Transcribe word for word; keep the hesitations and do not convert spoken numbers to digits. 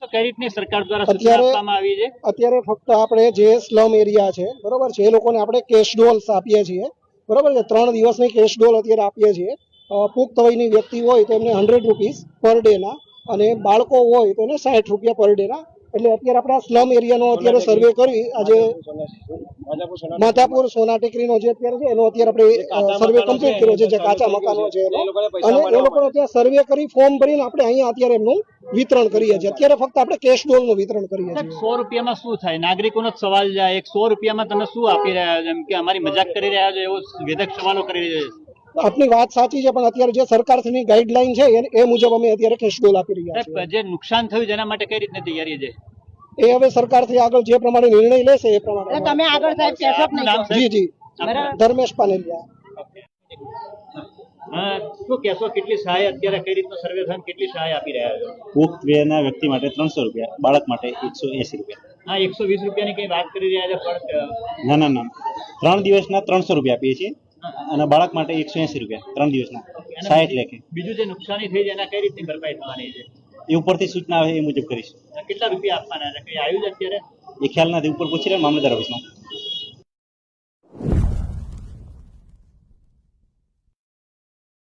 કઈ રીતની સરકાર દ્વારા સૂચના આપવામાં આવી છે? અત્યારે ફક્ત આપણે જે સ્લમ એરિયા છે બરોબર છે એ લોકોને આપણે કેશ ડોલ્સ આપીએ છીએ બરોબર છે. ત્રણ દિવસની કેશ ડોલ અત્યારે આપીએ છીએ. પુખ્ત વયની વ્યક્તિ હોય તો એમને હંડ્રેડ રૂપીસ પર ડે ના અને બાળકો હોય તો એને સાઠ રૂપિયા પર ડે ના. એટલે અત્યારે આપણા સ્લમ એરિયાનો અત્યારે સર્વે કરી આજે માધાપુર સોના ટેકરીનો જે અત્યારે છે એનો અત્યારે આપણે સર્વે કમ્પ્લીટ કર્યો છે, જે કાચા મકાનો છે એનો, અને એ લોકો અત્યારે સર્વે કરી ફોર્મ ભરીને આપણે અહીંયા અત્યારે એમનું વિતરણ કરીએ છીએ. અત્યારે ફક્ત આપણે કેશ ડોલ નું વિતરણ કરીએ છીએ. સો રૂપિયામાં શું થાય? નાગરિકોનો જ સવાલ જાય, એક સો રૂપિયામાં તમે શું આપી રહ્યા છો? એમ કે અમારી મજાક કરી રહ્યા છો એવો વેધક સવાલો કરી રહ્યા છે. આપની વાત સાચી છે, પણ અત્યારે જે સરકારની ગાઈડલાઈન છે એ મુજબ અમે અત્યારે કેશ ડોલ આપી રહ્યા છીએ. જે નુકસાન થયું જેના માટે કઈ રીતની તૈયારી છે એ હવે સરકારથી આગળ જે પ્રમાણે નિર્ણય લેશે એ પ્રમાણે તમે આગળ સાહેબ કહેશો જ નહીં. જી જી ધર્મેશ પાનેલિયા. શું કહેશો, કેટલી સહાય અત્યારે કઈ રીતનો સર્વે થયો, કેટલી સહાય આપી રહ્યા છો? પુખ્ત વયના વ્યક્તિ માટે ત્રણસો રૂપિયા, બાળક માટે એકસો એસી રૂપિયા. હા, એકસો વીસ રૂપિયાની કઈ વાત કરી રહ્યા છે પણ ના ના ના ત્રણ દિવસના ત્રણસો રૂપિયા આપીએ છીએ અને બાળક માટે એકસો એસી રૂપિયા ત્રણ દિવસના સાઠ લેખે. બીજું જે નુકસાની થઈ છે એના કઈ રીતની ભરપાઈ થવાની છે? એ ઉપરથી સૂચના આવે એ મુજબ કરીશું. કેટલા રૂપિયા આપવાના છે કઈ આવ્યું છે અત્યારે? એ ખ્યાલ નથી, ઉપર પૂછી રહ્યા મામલતદાર ઓફિસમાં.